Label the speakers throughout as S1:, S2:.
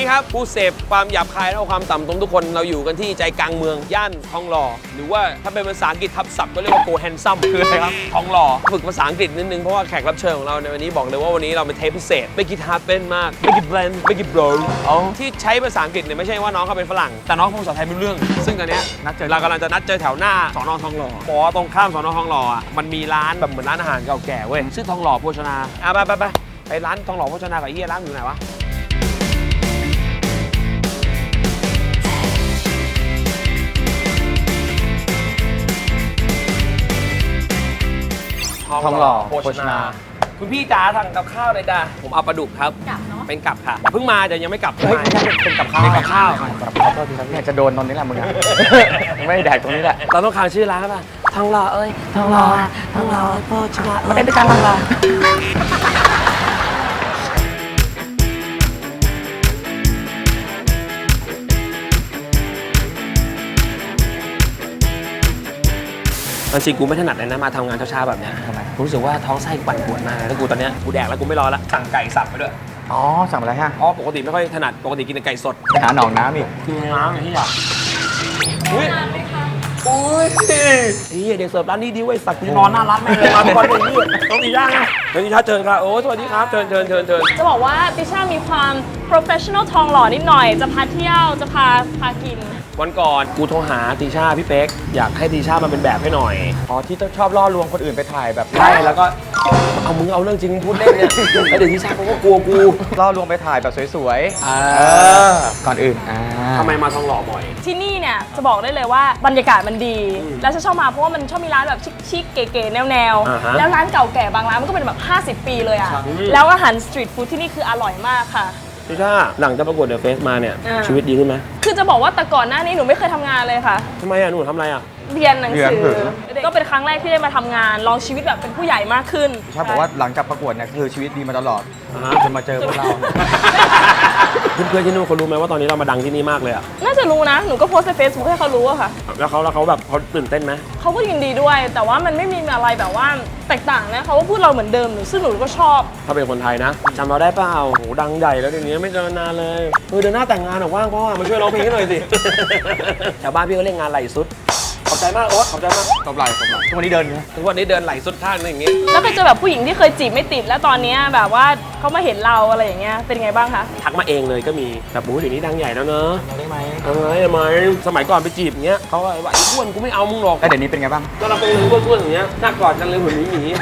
S1: นี้ครับผู้เสพความหยาบคายและความต่ำตรงทุกคนเราอยู่กันที่ใจกลางเมืองย่านทองหล่อหรือว่าถ้าเป็นภาษาอังกฤษทับศัพท์ก็เรียกว่าโกแฮนซัมคืออะไรครับทองหล่อฝึกภาษาอังกฤษนิดนึงเพราะว่าแขกรับเชิญของเราในวันนี้บอกเลยว่าวันนี้เราเป็นเทปพิเศษไม่กินฮาร์ดเป็นมากไม่กินแบรนด์ไม่กินโบรที่ใช้ภาษาอังกฤษเนี่ยไม่ใช่ว่าน้องเขาเป็นฝรั่งแต่น้องพูดภาษาไทยไม่รู้เรื่องซึ่งตอนนี้เรากำลังจะนัดเจอแถวหน้าสน.ทองหล่อปอตรงข้ามสน.ทองหล่ออ่ะมันมีร้านแบบเหมือนร้านอาหารเก่าแก่เว้ยชื่อทองหล่อโภชนาไปร้านทองหล่อโภชนากับไอ้เหี้ยร้านอยู่ไหนวะทองหล่อโภชนาคุณพี่จ๋าสั่งกับข้าวเลยจ้าผมเอาปลาดุกครับเป็นกับค่ะเพิ่งมาแต่ยังไม่กลับไม่ใช่เป็นกับข้าวเป็นกับข้าวขอโทษทีครับเนี่ยจะโดนตรงนี้แหละมึงไม่แดกตรงนี้แหละเราต้องค้างชื่อร้านป่ะทองหล่อเอ้ยทองหล่อโภชนามาเต้นด้วยกันทองหล่อจริงกูไม่ถนัดเลยนะมาทำงานเช้าๆแบบนี้ทำไมกูรู้สึกว่าท้องไส้ปั่นปวดมากแล้วกูตอนนี้กูแดกแล้วกูไม่รอละสั่งไก่สับไปด้วยอ๋อสั่งอะไรฮะอ๋อปกติไม่ค่อยถนัดปกติกินแต่ไก่สดไปหาหนองน้ำอีกคือน้ำอย่างที่อยากอุ้ยเด็กเสิร์ฟร้านนี้ดีเว้ยสักกูนอนหน้าร้านไม่เลยมาทุกวันเลยนี่ต้องดีย่างนะติชาเชิญครับโอ้สวัสดีครับเชิญ
S2: จะบอกว่าติชามีความ professional ทองหล่อนิดหน่อยจะพาเที่ยวจะพากิน
S1: วันก่อนกูโทรหาติชาพี่เป๊กอยากให้ติชามาเป็นแบบให้หน่อยอ๋อที่ชอบล่อลวงคนอื่นไปถ่ายแบบใช่แล้วก็เอามึงเอาเรื่องจริงพูดเล่นเนี่ยแล้วเดี๋ยวติชาเขาก็กลัวกูล่อลวงไปถ่ายแบบสวยๆก่อนอื่นทำไมมาทองหล่อบ่อย
S2: ที่นี่เนี่ยจะบอกได้เลยว่าบรรยากาศมันดีแล้วฉันชอบมาเพราะว่ามันชอบมีร้านแบบชิคๆเก๋ๆแนวๆแล้วร้านเก่าแก่บางร้านมันก็เป็นแบบ50 ปีเลยอ่ะแล้วอาหารสตรีทฟู้ดที่นี่คืออร่อยมากค่ะ
S1: ติชาหลังจากประกวดเดอะเฟสมาเนี่ยชีวิตดีขึ้นไหม
S2: คือจะบอกว่าแต่ก่อนหน้านี้หนูไม่เคยทำงานเลยค่ะ
S1: ทำไมหนูทำอะไร
S2: เรียนหนังสือก็เป็นครั้งแรกที่ได้มาทำงานลองชีวิตแบบเป็นผู้ใหญ่มากขึ้น
S3: ใช่บอกว่าหลังจากประกวดเนี่ยคือชีวิตดีมาตลอดจนมาเจอพวกเรา
S1: เพื่อนๆที่นู่นเขารู้ไหมว่าตอนนี้เรามาดังที่นี่มากเลยอ่ะ
S2: น่าจะรู้นะหนูก็โพสต์ใน Facebook ให้เขารู้อะค่ะ
S1: แล้วเขาแบบเขาตื่นเต้นไหม
S2: เขาก็ยินดีด้วยแต่ว่ามันไม่มีอะไรแบบว่าแตกต่างนะเขาก็พูดเราเหมือนเดิมซึ่งหนูก็ชอบ
S1: ถ้าเป็นคนไทยนะจำเราได้เปล่าโหดังใหญ่แล้วเดี๋ยวนี้ไม่เจอนานเลยเดือนหน้าแต่งงานหรอว่างพ่อมาช่วยร้องเพลงให้หน่อยสิชาวบ้านพี่ก็เล่นงานไหลสุดขอบใจมากโอ๊ตขอบใจมาก
S3: ตบไหล่ทุกวันนี้เดิน
S1: ไหลสุดข้างนึงอย่างงี้
S2: แล้วเคยเจอแบบผู้หญิงที่เคยจีบไม่ติดแล้วตอนนี้แบบว่าเขามาเห็นเราอะไรอย่างเงี้ยเป็นไงบ้างคะ
S1: ทักมาเองเลยก็มีแบบเดี๋ยวนี้ดังใหญ่แล้วเนอะได้ไหมสมัยก่อนไปจีบอย่างเงี้ยเขาว่าไอ้อ้วนกูไม่เอามึงหรอก
S3: แล้วเดี๋ยวนี้เป็นไงบ้าง
S1: ก็เราเป็นอ้วนอย่างเงี้ยหน้ากอดกันเลยเหมือนหมี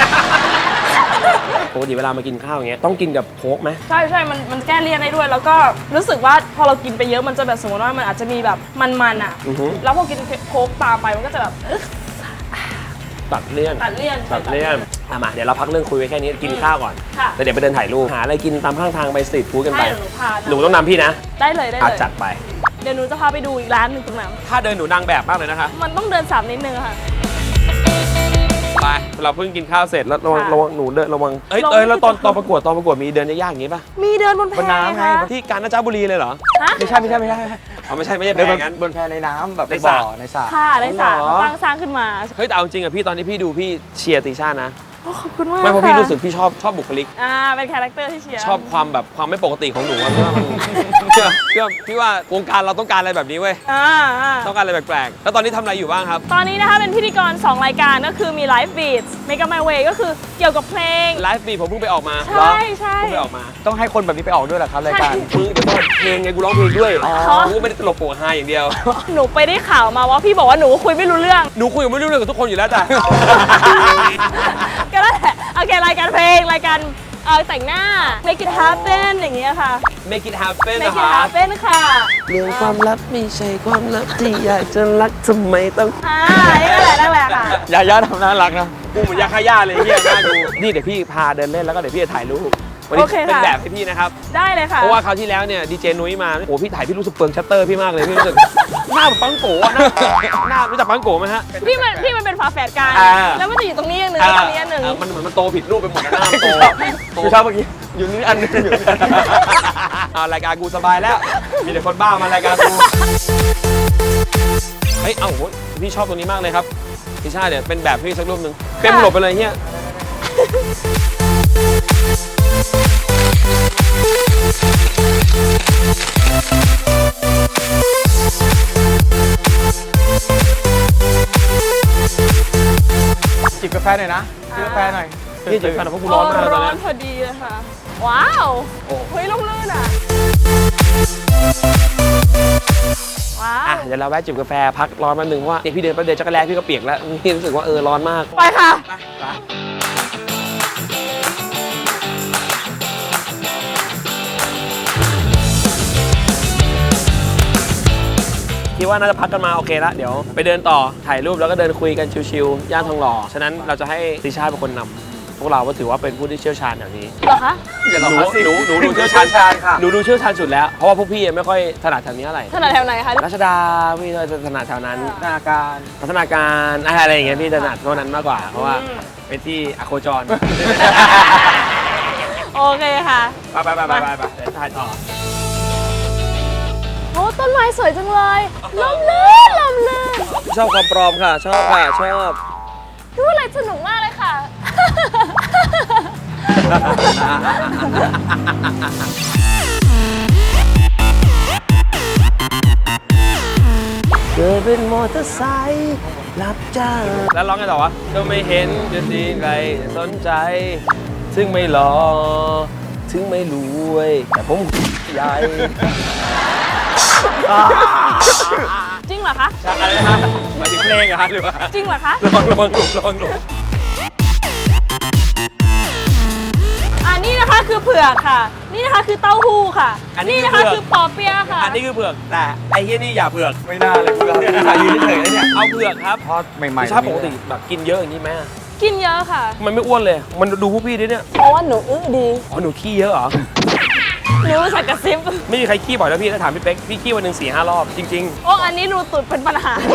S1: ปกติเวลามากินข้าวอย่างเงี้ยต้องกินกับโค้กไหม
S2: ใช่มันแก้เลี่ยนได้ด้วยแล้วก็รู้สึกว่าพอเรากินไปเยอะมันจะแบบสมมติว่ามันอาจจะมีแบบมันอ่ะแล้วพอกินโค้กตามไปมันก็จะแบบ
S1: ตัดเลี่ยนมาเดี๋ยวเราพักเรื่องคุยไว้แค่นี้กินข้าวก่อนแล้วเดี๋ยวไปเดินถ่ายรูปหาอะไรกินตามข้างทางไปสตรีทฟู้ดกันไปหนูต้องนำพี่นะ
S2: ได้เลย
S1: จัดไป
S2: เดี๋ยวหนูจะพาไปดูอีกร้านหนึ่งตรงนั้น
S1: ถ้าเดินหนูนางแบบมากเลยนะคะ
S2: มันต้องเดิน3นิดนึงค่ะ
S1: ไปเราเพิ่งกินข้าวเสร็จแล้วระวังหนูเดินระวังแล้วตอนประกวดมีเดินยากๆอย่างงี้ป่ะ
S2: มีเดินบนแพ
S3: น้ำไง
S1: ที่กาญจนบุรีเลยเหรอ
S3: ไม่ใช่
S1: ไม่ใช่เดิน
S3: บนแพในน้ำแบบในบ่อในสระ
S2: ค่ะในสระสร้างขึ้นมา
S1: เฮ้ยแต่เอาจริงอะพี่ตอนที่พี่ดูพี่เชียร์ติช่านะ
S2: ขอบคุณมาก
S1: ไม่เพราะพี่รู้สึกพี่ชอบบุคลิก
S2: เป็นคาแรคเตอร์ที่เชียร์
S1: ชอบความแบบความไม่ปกติของหนูพี่ว่าวงการเราต้องการอะไรแบบนี้เว้ยต้องการอะไรแปลกๆแล้วตอนนี้ทำอะไรอยู่บ้างครับ
S2: ตอนนี้นะคะเป็นพิธีกร2รายการก็คือมี Live Beats Make Up My Way ก็คือเกี่ยวกับเพลง
S1: Live Beats ผมเพิ่งไปออกมา
S2: ใช่
S1: เพิ่งไปออกมา
S3: ต้องให้คนแบบนี้ไปออกด้วยเหรอครับรายการ
S1: เดี๋ยวเพลงไงกูร้องเพลงด้วยกูไม่ได้ตลกโปะฮาอย่างเดียว
S2: หนูไปได้ข่าวมาว่าพี่บอกว่าหนูคุยไม่รู้เรื่อง
S1: หนูคุยไม่รู้เรื่องกับทุกคนอยู่แล้วจ้ะ
S2: ก็ได้โอเครายการเพลงรายการแต่งหน้า Make it happen อย่างเงี้ยค่ะ
S1: Make it happen
S2: นะคะ Make it happen ค่ะ
S1: เรื่องความลับไม่ใช่ความลับที่อยากจะรักทำไมต้อง
S2: นั่นแหละค่ะ
S3: ย่าทำน่ารักนะ
S1: กูเหมือนยาฆ่าย่าเลยเฮียน่าดูนี่เดี๋ยวพี่พาเดินเล่นแล้วก็เดี๋ยวพี่จะถ่ายรูปวันนี้เป็นแบบให้พี่นะครับ
S2: ได้เลยค่ะ
S1: เพราะว่าคราวที่แล้วเนี่ยดีเจนุ้ยมาโอ้พี่ถ่ายพี่รู้สึกเปลืองชัตเตอร์พี่มากเลยพี่รู้สึกหน้าแบบปังโกะหน้ารู้จักปังโกะไหมฮะ
S2: พี่มันเป็นฝาแฝดกันแล้วมันจะอยู่ตรงนี้อย่างนึงตรงนี้อันนึง
S1: มันเหมือนมันโตผิดรูปไปหมดหน้าโต
S3: พี่ชอบเมื่อกี้อยู่นี่อันนึงอยู่
S1: รายการกูสบายแล้วมีแต่คนบ้ามารายการกูเฮ้ยโหพี่ชอบตรงนี้มากเลยครับพี่ชาเนี่ยเป็นแบบพี่สักรูปนึงเต็มหลบไปเลยเฮีย
S3: แฟหน่อยนะซื้อกาแฟหน่อย
S1: พี่จะกันเพราะกูร้อนมากเลยตอน
S2: ร้อ
S1: นี้
S2: นพอดีเลยค่ะ ว้าว
S1: โอ้
S2: เฮ้ยล่มลื่นอ่ะ ว้าว
S1: อ่ะเดี๋ยวเราแวะจิบกาแฟพักร้อนแป๊บนึงเพราะว่าพี่เดินไปเดินจักรแลพี่ก็เปียกแล้วพี่รู้สึกว่าร้อนมาก
S2: ไปค่ะ
S1: คิดว่าน่าจะพักกันมาโอเคละเดี๋ยวไปเดินต่อถ่ายรูปแล้วก็เดินคุยกันชิวๆย่านทองหล่อฉะนั้นเราจะให้ติชาเป็นคนนำพวกเราก็ถือว่าเป็นผู้ที่เชี่ยวชาญแถวนี้
S2: เหรอคะ
S1: หนูดูเชี่ยวชาญหนูดูเชี่ยวชาญสุดแล้วเพราะว่าพวกพี่ไม่ค่อยถนัดแถวนี้อะไร
S2: ถนัดแถวไหนคะ
S1: รัชดาพี่จะถนัดแถวนั้น
S3: หน้าการ
S1: พัฒนาการอะไรอย่างเงี้ยพี่ถนัดเท่านั้นมากกว่าเพราะว่าเป็นที่อโคจร
S2: โอเคค่ะ
S1: ไปเดี๋ยวถ่ายต่อ
S2: โอ้ต้นไม้สวยจังเลยลมลื่นลมลื่น
S1: ชอบความปลอมค่ะ ชอบค่ะชอบ
S2: ดูอะไรสนุกมากเลยค่ะ
S1: เกิดเป็นมอเตอร์ไซค์รับจ้างแล้วร้องไงต่อวะก็ไม่เห็นจะดีใครสนใจ ถึงไม่หล่อถึงไม่รวยแต่ผมใหญ่
S2: จริงเหรอคะ
S1: อะไรนะหมายถึงเพลงเหรอฮะหรือว่า
S2: จริงเหรอคะ
S1: ระวังหลุม
S2: นี่นะคะคือเผือกค่ะ นี่นะคะคือเต้าหู้ค่ะ นี่นะคะคือปอเปี๊ยะค่ะ
S1: อันนี้คือเผือกแต่ไอ้เหี้ยนี่อย่าเผือก
S3: ไม่น่าเลยคุณเรายืนเฉยๆนะเนี่ย
S1: เอาเผือกครับ
S3: ทอดใหม่ๆ
S1: ชาปกติแบบกินเยอะอย่างนี้ไหม
S2: กินเยอะค่ะ
S1: มันไม่อ้วนเลย มันดูพวกพี่ดิเนี่ย
S2: เพราะว่าหนูอื้อดี
S1: อ๋อหนูขี้เยอะเหรอ
S2: หนูสักกระซิบ
S1: ไม่มีใครขี้บ่อยแล้วพี่ถ้าถามพี่เป๊กพี่ขี้วันหนึ่ง4-5 รอบจริง
S2: โอ้อันนี้รูตุดเป็นปัญหา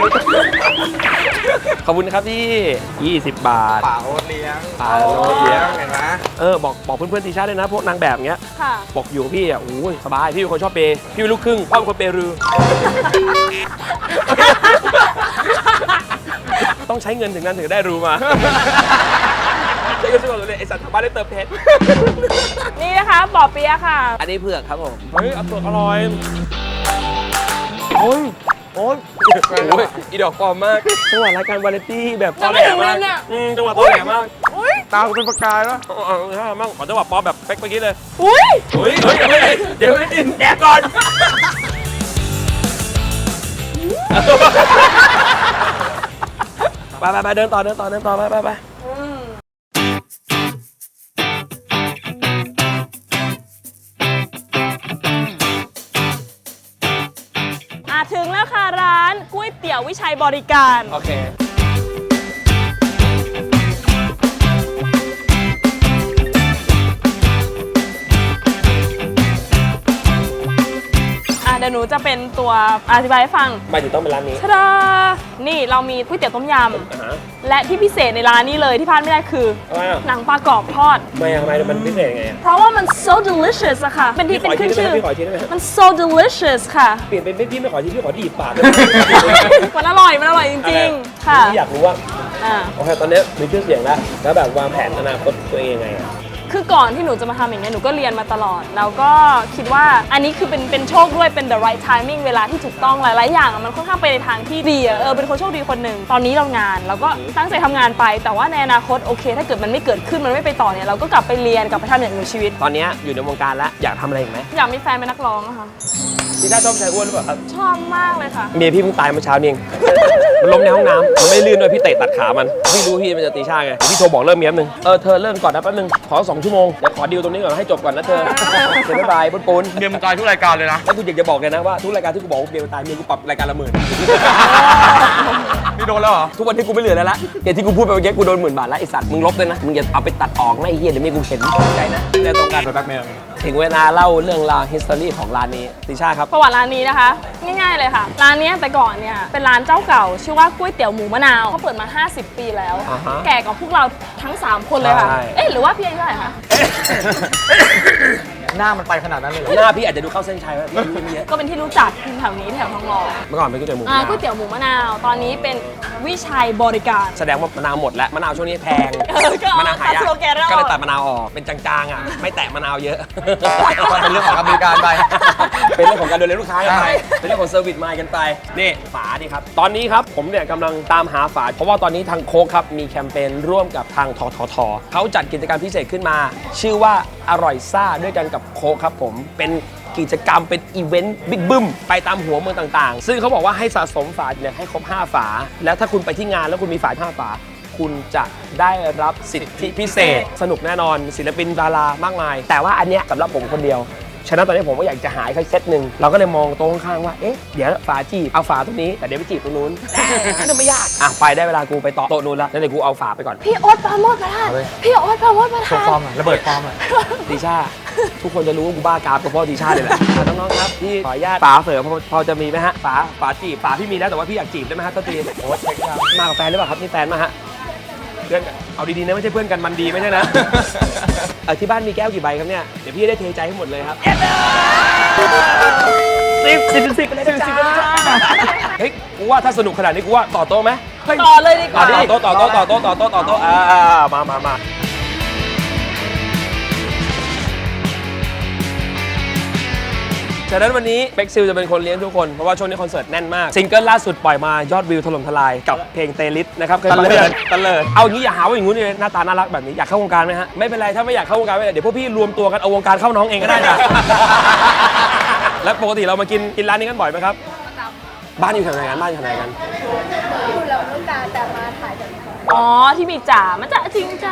S1: ๆ ขอบคุณนะครับพี่ 20 บาท
S3: ป่าโอ๊ตเลี้ยง
S1: ป่าโอ๊ตเลี้ยง
S3: เห็นไหม
S1: บอกเพื่อนๆทีชาติด้วยนะพวกนางแบบเงี้ย
S2: ค่ะ
S1: บอกอยู่กับพี่อ่ะโอ้ยสบายพี่เป็นคนชอบเปย์พี่เป็นลูกครึ่งพ่อเป็นคนเปรือ ต้องใช้เงินถึงนั้นถึงจะได้รู้มาใช้เงินซื้อเลยไอสัตว์ทางบ้านได้เติมเพชร
S2: นี่นะคะปอเปี๊ยะค่ะ
S1: อันนี้เผือกครับผมเฮ้ยเผือกอร่อยโอ้ยอีดอกปลอมมากจังหวะรายการวาไรตี้แบบตอแหลมากจังหวะตอแหลมาก
S2: อุ้ย
S3: ตาเป็นประกายวะ
S1: ใช่มากขอจังหวะปลอมแบบเป๊กเมื่อกี้เลย
S2: อุ้ย
S1: เฮ้ยเดี๋ยวไม่ได้แดกก่อนไปเดินต่อไป
S2: ถึงแล้วค่ะร้านก๋วยเตี๋ยววิชัยบริการ
S1: โอเค
S2: เดี๋ยวหนูจะเป็นตัวอธิบายให้ฟัง
S1: หมายถึงต้องเป็นร้านนี้
S2: ทะดานี่เรามีก๋วยเตี๋ยวต้มยำ และที่พิเศษในร้านนี้เลยที่พลาดไม่ได้คือ หนังปลากรอบทอด
S1: ทำไมมันพิเศษยังไงอะ
S2: เพราะว่ามัน so delicious อะค่ะ เป็นที่เป็นขึ้นชื่อ
S1: พี่ขอทีได้ไหม
S2: มัน so delicious ค่ะ
S1: เปลี่ยนเป็นพี่ไม่ขอทีพี่ขอดีบปากเลย
S2: มันอร่อยจริงๆ ค่ะ
S1: พี่อยากรู้ว่า
S2: อ่า
S1: โอเคตอนนี้มีชื่อเสียงแล้วแบบวางแผนอนาคตตัวเองยังไงอะ
S2: คือก่อนที่หนูจะมาทำอย่างเงี้ยหนูก็เรียนมาตลอด แล้วก็คิดว่าอันนี้คือเป็นโชคด้วยเป็น the right timing เวลาที่ถูกต้องหลายๆอย่างอะมันค่อนข้างไปในทางที่ดีอะเป็นคนโชคดีคนหนึ่งตอนนี้เรางานเราก็ตั้งใจทำงานไป แต่ว่าในอนาคตโอเค ถ้าเกิดมันไม่เกิดขึ้นมันไม่ไปต่อเนี่ยเราก็กลับไปเรียนกลับไปทำอย่างอื่นในชีวิต
S1: ตอนนี้อยู่ในวงการแล้วอยากทำอะไรอีกไหม
S2: อยากมีแฟนเป็นนักร้องอะค่ะ
S1: พี่ชาชอบชายอ้วนหรือเปล่าครับ
S2: ชอบมากเลยค่ะ
S1: เมียพี่เพิ่งตายเมื่อเช้านี่เอง มันล้มในห้องน้ำมันไม่ลื่นด้วยพี่เตะตัดขามันพี่รู้พี่มันจะตีชาไงพี่โทรบอกเริ่มเมียแป๊บนึงเธอเริ่มก่อนนะแป๊บนึงขอ2 ชั่วโมงเดี๋ยวขอดีลตรงนี้ก่อนให้จบก่อนนะเธอเดี๋ยวบ๊ายบายปุ้น
S3: เมียมันตายทุกรายการเลยนะ
S1: แล้วกูอยากจะบอกเลยนะว่าทุกรายการที่กูบอกว่าเมียมันตายเมียกูปรับรายการละ10,000
S3: นี่โดนแล้วเหรอ
S1: ทุกวันที่กูไม่เหลือแล้วละอย่างที่กูพูดไปเมื่อกี้กูโดน10,000 บาทแล้วไอสัตว์มึงลบเลยนะมึงอย่าเอาไปตัดออกนะไอเหี้ยเดี๋ยวเมียกูเห็นใจนะเรื่องตรงกัน
S3: ไปแบ็คเมล
S1: ถึงเวลาเล่าเรื่องราว history ของร้านนี้ติชาครับ
S2: ประวัติร้านนี้นะคะง่ายๆเลยค่ะ ร้านเนี้ยแต่ก่อนเนี่ยเป็นร้านเจ้าเก่า ชื่อว่าก๋วยเตี๋ยวหมูมะนาวเขาเปิดมา 50 ปีแล้ว
S1: อ่าฮะ
S2: แก่กว่าพวกเราทั้ง 3 คนเลยค่ะ
S1: ใช่
S2: หรือว่าพี่อายุเท่าไหร่คะ
S3: หน้ามันไปขนาดนั้นเลยเหรอ
S1: หน้าพี่อาจจะดูเข้าเส้นชัยว่าพี่อายุไม่เยอะ
S2: ก็เป็นที่รู้จักแถวนี้แถวทองหล่อ
S1: เมื่อก่อนเป็นก๋วยเตี๋ยวหมู
S2: ก๋วยเตี๋ยวหมูมะนาว ตอนนี้เป็นวิชัยบริการ
S1: แสดงว่ามะนาวหมดแล้วมะนาวช่วงนี้แพง
S2: ก็เอา
S1: มะนาวหายาก
S2: ตัดสโลแกนแล้ว
S1: ก็เลยตัดมะนาวออกเป็นจางๆอ่ะไม่แตะมะนาวเยอะ
S3: เป็นเรื่องของการบริการไป
S1: เป็นเรื่องของการดูแลลูกค้ากันไป เป็นเรื่องของเซอร์วิสมายกันไป นี่ฝาดิครับ ตอนนี้ครับผมเนี่ยกำลังตามหาฝา เพราะว่าตอนนี้ทางโค้กครับมีแคมเปญร่วมกับทางทททเขาจัดกิจกรรมพิเศษขึ้นมา ชื่อว่าอร่อยซ่าด้วยกันกับโค้กครับผม เป็นกิจกรรมเป็นอีเวนต์บิ๊กบึ้มไปตามหัวเมืองต่างๆ ซึ่งเขาบอกว่าให้สะสมฝาเนี่ยให้ครบ 5 ฝา แล้วถ้าคุณไปที่งานแล้วคุณมีฝา 5 ฝา คุณจะได้รับสิทธิพิเศษ สนุกแน่นอนศิลปินดารามากมาย แต่ว่าอันเนี้ยสำหรับผมคนเดียว ฉะนั้นตอนนี้ผมก็อยากจะหาอีกเซตหนึ่งเราก็เลยมองโต๊ะข้างๆว่าเอ๊ะเดี๋ยวฝาจีบเอาฝาตรงนี้แต่เดี๋ยวไปจีบตรงนู้นนั่นไม่ยากอ่ะไปได้เวลากูไปต่อโต๊ะนู้นแล้วแล้วเดี๋ยวกูเอาฝาไปก่อน
S2: พี่โอ๊ตปราโมชประธาน พี่โอ๊ตปราโมชประ
S3: โชว์
S2: ธาน
S3: ฟอร์มหน่อยระเบิดฟอร์มหน่อย
S1: ติชาทุกคนจะรู้ว่ากูบ้ากราฟกับพ่อติชาเลยแหละอ่ะน้องๆครับพี่ขออนุญาตฝาเสริมพอจะมีไหมฮะฝาจีบฝาพี่มีแล้วแต่ว่าพี่อยากจีบได้ไหมฮะต้นตีโอ้ยมากับแฟนหรือเปล่าครับนี่แฟนมาฮะเพื่อนกันเอาดีๆนะไม่ใช่เพื่อนกันมันดีไม่ใช่นะ ที่บ้านมีแก้วกี่ใบครับเนี่ยเดี๋ยวพี่ได้เทใจให้หมดเลยครับสิบไปเลยจ้าเฮ้ยกูว่าถ้าสนุกขนาดนี้กูว่าต่อโต๊ะไหม
S2: ต่อเลยดีกว่า
S1: ต่อโต๊ะมาฉะนั้นวันนี้เป็กซิลจะเป็นคนเลี้ยงทุกคน เพราะว่าช่วงนี้คอนเสิร์ตแน่นมาก ซิงเกิลล่าสุดปล่อยมายอดวิวถล่มทลายกับเพลงเตลิสนะครับเคยฟังไหมตะเลิดเอางี้อย่าหาว่าอย่างงู้นเลยหน้าตาน่ารักแบบนี้อยากเข้าวงการไหมฮะไม่เป็นไรถ้าไม่อยากเข้าวงการไม่เป็นไรเดี๋ยวพวกพี่รวมตัวกันเอาวงการเข้าน้องเองก็ได้จ้ะ แล้วปกติเรามากินร้านนี้กันบ่อยไหมครับบ้านอยู่แถวไหนกันอยู่เราต้องการแต่มาถ่ายแบบ
S2: อ๋อที่มีจ่ามันจะจริงจ้า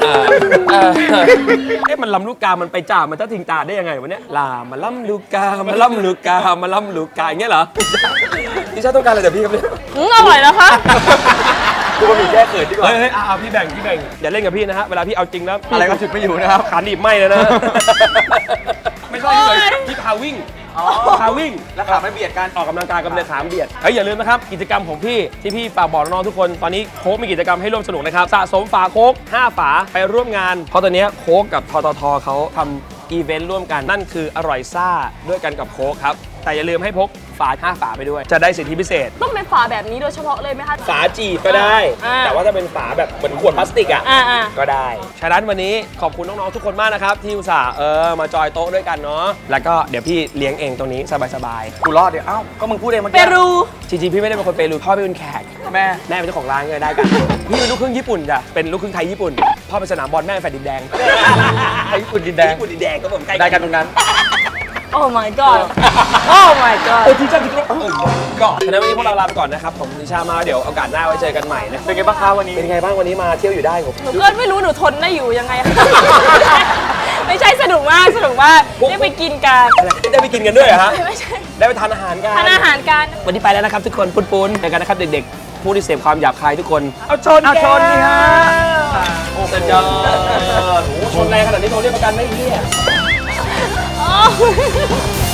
S1: มันลำลูกกา มันไปจ่ามันจะทิ้งตาได้ยังไงวะเนี่ยลามาล่ำลูกกามาล่ำลูกกามาล่ำลูกกาอย่างเงี้ยเหรอที่ชาต้องการอะไรจากพี่ครับเนี่ย
S2: อร่อยนะคะ
S3: กูก็มีแก้เขินดีกว่า
S1: เฮ้ยพี่แบ่งอย่าเล่นกับพี่นะฮะเวลาพี่เอาจริงแล้ว
S3: อะไรก็ฉุดไม่อยู่นะครับ
S1: ขาหนีบไหมเลยนะ ไม่ใช่ที่พาวิ่งพาวิ่ง
S3: แล้วขาไม่เบียดกัน
S1: ออกกำลังกายกับเดินขาเบียดอย่าลืมนะครับกิจกรรมของพี่ที่พี่ฝากบอกน้องๆทุกคนตอนนี้โค้กมีกิจกรรมให้ร่วมสนุกนะครับสะสมฝาโค้ก5 ฝาไปร่วมงานเพราะตอนนี้โค้กกับทททเขาทำอีเวนต์ร่วมกันนั่นคืออร่อยซ่าด้วยกันกับโค้กครับแต่อย่าลืมให้พกฝา5 ฝาไปด้วยจะได้สิทธิพิเศษ
S2: ต้องเป็นฝาแบบนี้โดยเฉพาะเลยไหมคะ
S1: ฝาจีบก็ได้ แต่ว่าถ้าเป็นฝาแบบเหมือนขวดพลาสติกอ่ะก็ได้ฉะนั้นวันนี้ขอบคุณน้องๆทุกคนมากนะครับที่อุตส่าห์มาจอยโต๊ะด้วยกันเนาะแล้วก็เดี๋ยวพี่เลี้ยงเองตรงนี้สบายๆ
S3: กูรอดเดี๋ยวเอ้าก็มึงพูดเองเมื่อ
S2: เป
S3: กี้
S2: รู
S1: จริงๆพี่ไม่ได้เป็นคนเปรูพ่อเป็นแขก
S3: แม่
S1: แม่เป็นเจ้าของร้านก็ได้กัน พี่เป็นลูกครึ่งญี่ปุ่นจ้ะเป็นลูกครึ่งไทยญี่ปุ่นพ่อเป็นสนามบอลแม่เป็นแฟนดินแดง
S3: ไทยญี่ปุ่นดินแดง
S1: ญี่ปุ่นดินแดงก็ผมใกล้
S3: ได้กันตรงนั้น
S2: โอ้ my god โอ้ my god
S1: ที่ชาที่ก็ฉะนั้นวันนี้พวกเราลาไปก่อนนะครับผมนิชามาเดี๋ยวโอกาสหน้าไว้เจอกันใหม่นะ
S3: เป็นไงบ้างคะวันนี้
S1: เป็นไงบ้างวันนี้มาเที่ยวอยู่ได้ผม
S2: หนูก็ไม่รู้หนูทนได้อยู่ยังไง ไม่ใช่สนุกมากได้ไปกินกัน
S1: ได้ไปกินกันด้วยเหรอฮะ
S2: ไม่ใช่
S1: ได้ไปทานอาหารกัน
S2: ทานอาหารกัน
S1: วันนี้ไปแล้วนะครับทุกคนปุ้นๆไปกันนะครับเด็กๆผู้ที่เสพความหยาบคายทุกคนเอาชน
S3: นี่ฮะ
S1: โอ้โหชนแรงขนาดนี้โทรเรียกประกันไม่เหี้ย
S2: Oh